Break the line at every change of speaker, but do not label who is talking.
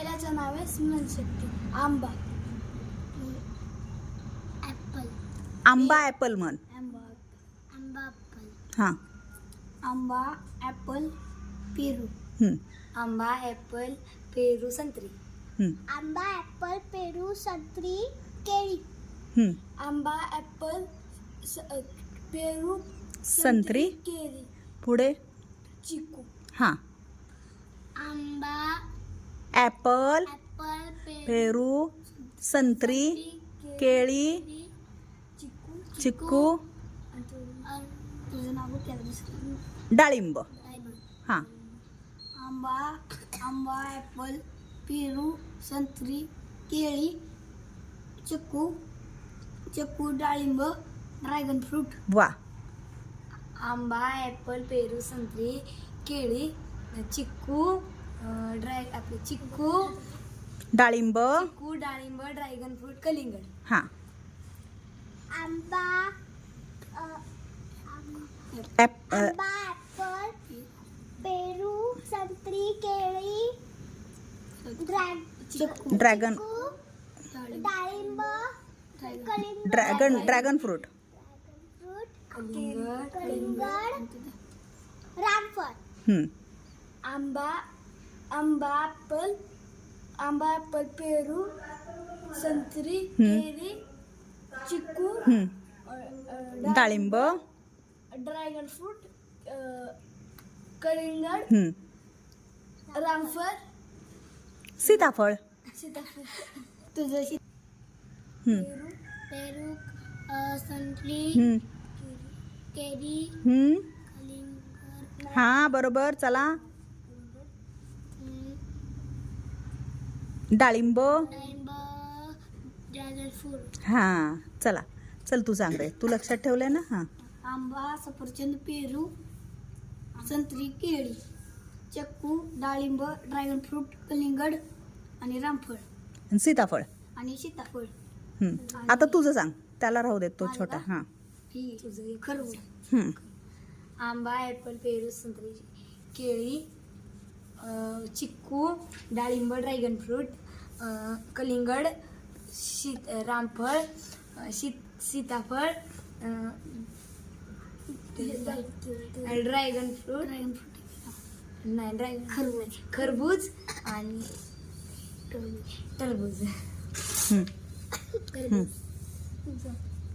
पहिल्याचं नाव आहे स्मरणशक्ती. आंबा. ॲपल.
आंबा ॲपल म्हण.
आंबा. आंबा ॲपल.
हां.
आंबा ॲपल पेरू.
हं,
आंबा ॲपल पेरू संत्री.
हं,
आंबा ॲपल पेरू संत्री केळी.
हं.
आंबा ॲपल पेरू
संत्री.
केळी.
पुढे.
चिकू.
हां.
आंबा
ॲपल
ॲपल
पेरू संत्री केळी
चिकू.
चिक्कू
तुझं नाव काय दुसरं?
डाळिंब. हां.
आंबा ॲपल पेरू संत्री केळी चिकू डाळिंब ड्रॅगन फ्रूट.
वा.
आंबा ॲपल पेरू संत्री केळी चिक्कू आपले चिक्कू
डाळिंब.
डाळिंब ड्रॅगन फ्रूट कलिंगड.
हां.
आंबा
ॲपल
ॲपल पेरू संत्री केळी
ड्रॅगन
डाळिंब
ड्रॅगन फ्रूट.
कलिंगड रामफळ.
हं,
आंबा ॲपल पेरू संत्री केळी चिक्कू
हं. डाळिंब.
ड्रॅगन फ्रूट कलिंगड
हं.
रामफळ
सीताफळ.
सीताफळ. तुझं
हं,
पेरू संत्री
हं,
केळी
हं.
कलिंगड
हां बरोबर. चला. डाळिंब.
डाळिंब ड्रॅगन फ्रूट.
हां चला. चल तू सांग रे. तू लक्षात ठेवलंय ना. हां.
आंबा सफरचंद पेरू संत्री केळी चिक्कू डाळिंब ड्रॅगन फ्रूट कलिंगड आणि रामफळ
आणि सीताफळ.
आणि सीताफळ.
हं. आता तुझं सांग. त्याला राहू देत तो छोटा. हां.
ही तुझं खरबूज.
हं.
आंबा ॲपल पेरू संत्री केळी चिक्कू डाळिंब ड्रॅगन फ्रूट कलिंगड रामफळ सीताफळ ड्रॅगन फ्रूट नाही ड्रॅगन खरबूज आणि टरबूज.
हं. हं.